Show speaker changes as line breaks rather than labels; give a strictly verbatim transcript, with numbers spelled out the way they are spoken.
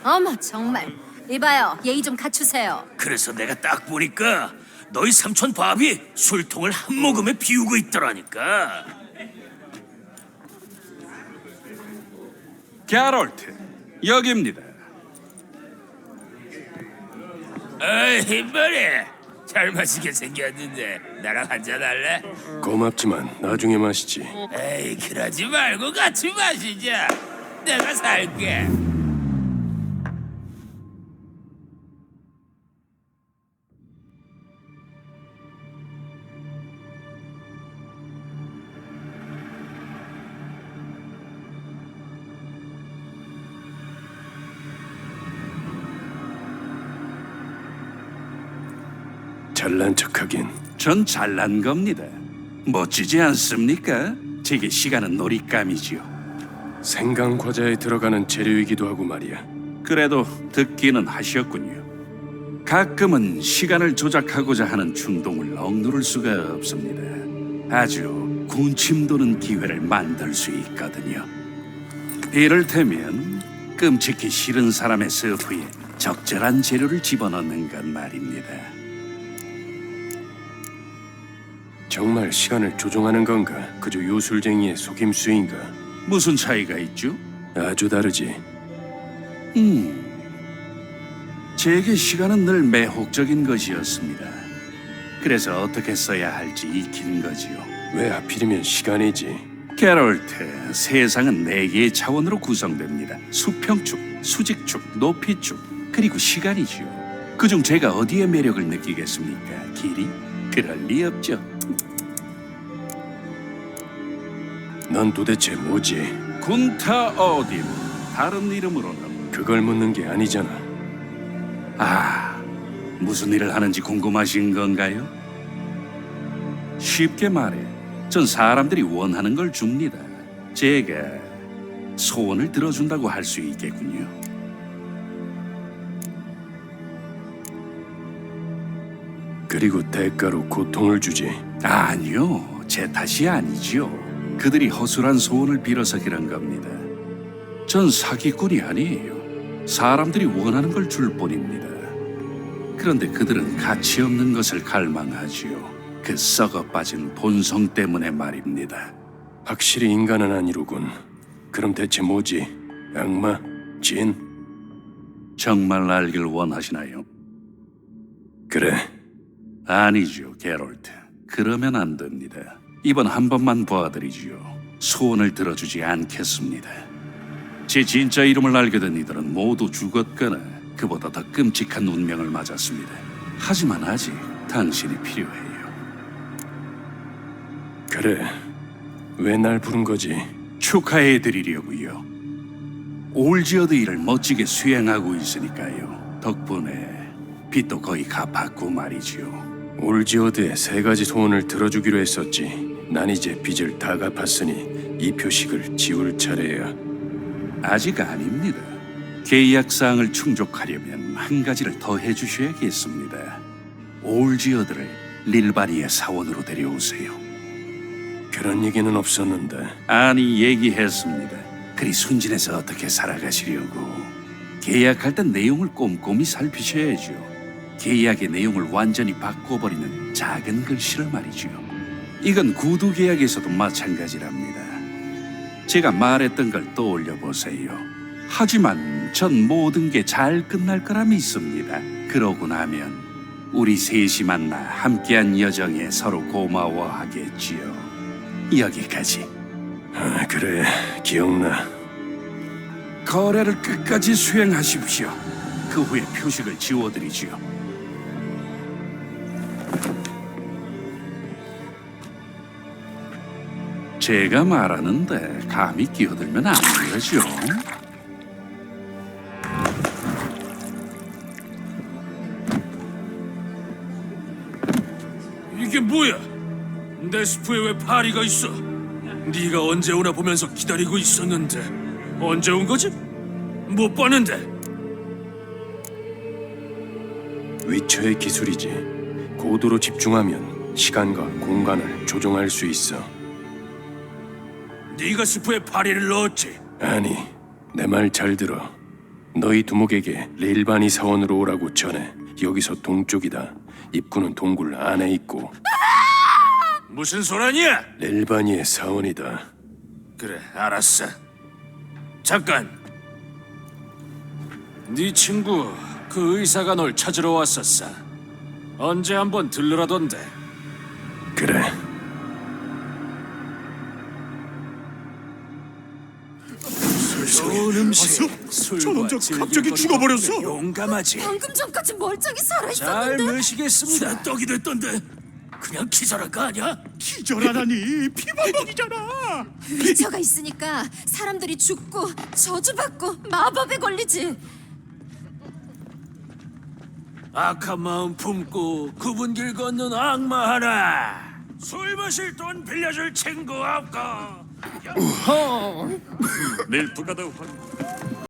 어머 정말. 이봐요, 예의 좀 갖추세요.
그래서 내가 딱 보니까 너희 삼촌 밥이 술통을 한 모금에 비우고 있더라니까.
게롤트, 여기입니다.
에이 머리 잘 마시게 생겼는데 나랑 한잔 할래?
고맙지만 나중에 마시지.
에이 그러지 말고 같이 마시자. 내가 살게.
잘난 척하긴.
전 잘난 겁니다. 멋지지 않습니까? 제게 시간은 놀잇감이지요.
생강 과자에 들어가는 재료이기도 하고 말이야.
그래도 듣기는 하셨군요. 가끔은 시간을 조작하고자 하는 충동을 억누를 수가 없습니다. 아주 군침 도는 기회를 만들 수 있거든요. 이를테면 끔찍히 싫은 사람의 서프에 적절한 재료를 집어넣는 것 말입니다.
정말 시간을 조종하는 건가? 그저 요술쟁이의 속임수인가?
무슨 차이가 있죠?
아주 다르지.
음, 제게 시간은 늘 매혹적인 것이었습니다. 그래서 어떻게 써야 할지 익힌 거지요.
왜 하필이면 시간이지?
게롤트, 세상은 네 개의 차원으로 구성됩니다. 수평축, 수직축, 높이축, 그리고 시간이지요. 그중 제가 어디에 매력을 느끼겠습니까? 길이? 그럴 리 없죠.
넌 도대체 뭐지?
군타 어딘, 다른 이름으로는
그걸 묻는 게 아니잖아.
아, 무슨 일을 하는지 궁금하신 건가요? 쉽게 말해, 전 사람들이 원하는 걸 줍니다. 제가 소원을 들어준다고 할 수 있겠군요.
그리고 대가로 고통을 주지.
아니요, 제 탓이 아니지요. 그들이 허술한 소원을 빌어서 그런 겁니다. 전 사기꾼이 아니에요. 사람들이 원하는 걸 줄 뿐입니다. 그런데 그들은 가치 없는 것을 갈망하지요. 그 썩어 빠진 본성 때문에 말입니다.
확실히 인간은 아니로군. 그럼 대체 뭐지? 악마? 진?
정말 알길 원하시나요?
그래.
아니죠, 게롤트. 그러면 안 됩니다. 이번 한 번만 봐드리지요. 소원을 들어주지 않겠습니다. 제 진짜 이름을 알게 된 이들은 모두 죽었거나 그보다 더 끔찍한 운명을 맞았습니다. 하지만 아직 당신이 필요해요.
그래. 왜 날 부른 거지?
축하해드리려고요. 올지어드 일을 멋지게 수행하고 있으니까요. 덕분에 빚도 거의 갚았고 말이지요.
올지어드의 세 가지 소원을 들어주기로 했었지. 난 이제 빚을 다 갚았으니 이 표식을 지울 차례야.
아직 아닙니다. 계약 사항을 충족하려면 한 가지를 더 해주셔야겠습니다. 올지어드를 릴바니의 사원으로 데려오세요.
그런 얘기는 없었는데.
아니, 얘기했습니다. 그리 순진해서 어떻게 살아가시려고. 계약할 땐 내용을 꼼꼼히 살피셔야죠. 계약의 내용을 완전히 바꿔버리는 작은 글씨를 말이죠. 이건 구두 계약에서도 마찬가지랍니다. 제가 말했던 걸 떠올려 보세요. 하지만 전 모든 게 잘 끝날 거라 믿습니다. 그러고 나면 우리 셋이 만나 함께한 여정에 서로 고마워하겠지요. 여기까지.
아, 그래. 기억나.
거래를 끝까지 수행하십시오. 그 후에 표식을 지워드리지요. 제가 말하는데 감히 끼어들면 안 되죠.
이게 뭐야? 내 스프에 왜 파리가 있어? 네가 언제 오나 보면서 기다리고 있었는데 언제 온 거지? 못 봤는데.
위쳐의 기술이지. 고도로 집중하면 시간과 공간을 조종할 수 있어.
네가 스프에 파리를 넣었지?
아니, 내 말 잘 들어. 너희 두목에게 레일바니 사원으로 오라고 전해. 여기서 동쪽이다. 입구는 동굴 안에 있고
무슨 소란이야?
레일바니의 사원이다.
그래, 알았어. 잠깐. 네 친구 그 의사가 널 찾으러 왔었어. 언제 한번 들르라던데.
그래.
좋은 음식, 술과
저 남자
즐길
갑자기
거리가
죽어버렸어.
없는데 용감하지.
방금 전까지 멀쩡히 살아
잘
있었는데.
모시겠습니다.
떡이 됐던데
그냥 기절할 거 아니야?
기절하다니 피방법이잖아.
위처가 있으니까 사람들이 죽고 저주받고 마법에 걸리지.
악한 마음 품고 굽은 길 걷는 악마 하나. 술 마실 돈 빌려줄 친구 없고.
밀프가 더